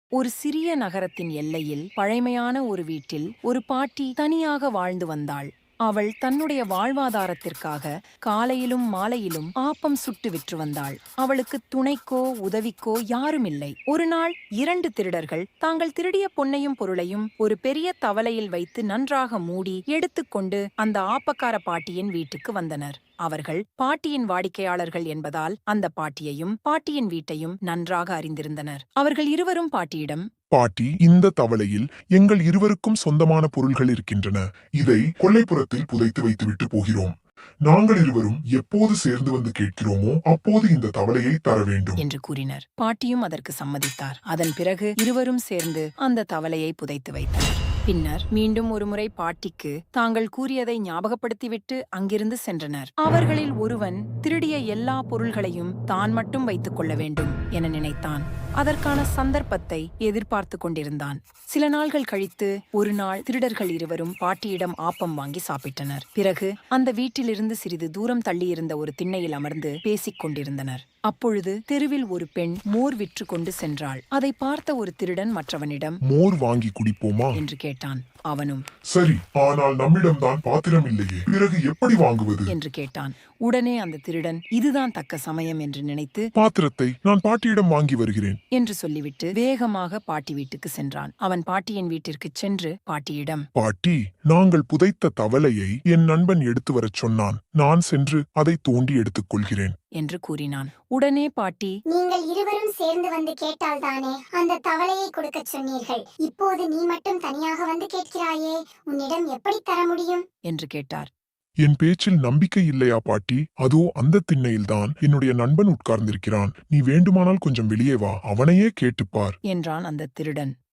ஒரு சிறிய நகரத்தின் எல்லையில் பழைமையான ஒரு வீட்டில் ஒரு பாட்டி தனியாக வாழ்ந்து வந்தாள். அவள் தன்னுடைய வாழ்வாதாரத்திற்காக காலையிலும் மாலையிலும் ஆப்பம் சுட்டு விற்று வந்தாள். அவளுக்கு துணைக்கோ உதவிக்கோ யாருமில்லை. ஒரு நாள் 2 திருடர்கள் தாங்கள் திருடிய பொன்னையும் பொருளையும் ஒரு பெரிய தவலையில் வைத்து நன்றாக மூடி எடுத்துக்கொண்டு அந்த ஆப்பக்கார பாட்டியின் வீட்டுக்கு வந்தனர். அவர்கள் பாட்டியின் வாடிக்கையாளர்கள் என்பதால் அந்த பாட்டியையும் பாட்டியின் வீட்டையும் நன்றாக அறிந்திருந்தனர். அவர்கள் இருவரும் பாட்டியிடம், பாட்டி, இந்த தவளையில் எங்கள் இருவருக்கும் சொந்தமான பொருள்கள் இருக்கின்றன. இதை கொல்லைப்புறத்தில் புதைத்து வைத்துவிட்டு போகிறோம். நாங்கள் இருவரும் எப்போது சேர்ந்து வந்து கேட்கிறோமோ அப்போது இந்த தவளையை தர வேண்டும் என்று கூறினர். பாட்டியும் அதற்கு சம்மதித்தார். அதன் பிறகு இருவரும் சேர்ந்து அந்த தவளையை புதைத்து வைத்தனர். பின்னர் மீண்டும் ஒருமுறை பாட்டிக்கு தாங்கள் கூறியதை ஞாபகப்படுத்திவிட்டு அங்கிருந்து சென்றனர். அவர்களில் ஒருவன் திருடிய எல்லா பொருள்களையும் தான் மட்டும் வைத்துக் கொள்ள வேண்டும் என நினைத்தான். அதற்கான சந்தர்ப்பத்தை எதிர்பார்த்து கொண்டிருந்தான். சில நாள்கள் கழித்து ஒரு நாள் திருடர்கள் இருவரும் பாட்டியிடம் ஆப்பம் வாங்கி சாப்பிட்டனர். பிறகு அந்த வீட்டிலிருந்து சிறிது தூரம் தள்ளியிருந்த ஒரு திண்ணையில் அமர்ந்து பேசிக் கொண்டிருந்தனர். அப்பொழுது தெருவில் ஒரு பெண் மோர் விற்று கொண்டு சென்றாள். அதை பார்த்த ஒரு திருடன் மற்றவனிடம், மோர் வாங்கி குடிப்போமா என்று கேட்டான். அவனும், சரி, ஆனால் நம்மிடம்தான் பாத்திரம் இல்லையே, பிறகு எப்படி வாங்குவது என்று கேட்டான். உடனே அந்த திருடன் இதுதான் தக்க சமயம் என்று நினைத்து, பாத்திரத்தை நான் பாட்டியிடம் வாங்கி வருகிறேன் என்று சொல்லிவிட்டு வேகமாக பாட்டி வீட்டுக்கு சென்றான். அவன் பாட்டியின் வீட்டிற்கு சென்று பாட்டியிடம், பாட்டி, நாங்கள் புதைத்த தவளையை என் நண்பன் எடுத்து வரச் சொன்னான். நான் சென்று அதை தோண்டி எடுத்துக் கொள்கிறேன் என்று கூறினான். உடனே பாட்டி, நீங்கள் இருவரும் சேர்ந்து வந்து கேட்டால் தானே அந்த தவளையை கொடுக்க சொன்னீர்கள். இப்போது நீ மட்டும் தனியாக வந்து கேட்கிறாயே, உன்னிடம் எப்படி தர முடியும் என்று கேட்டார். என் பேச்சில் நம்பிக்கை இல்லையா பாட்டி? அதோ அந்த திண்ணையில்தான் என்னுடைய நண்பன் உட்கார்ந்திருக்கிறான். நீ வேண்டுமானால் கொஞ்சம் வெளியே வா, அவனையே கேட்டுப்பார் என்றான் அந்த திருடன்.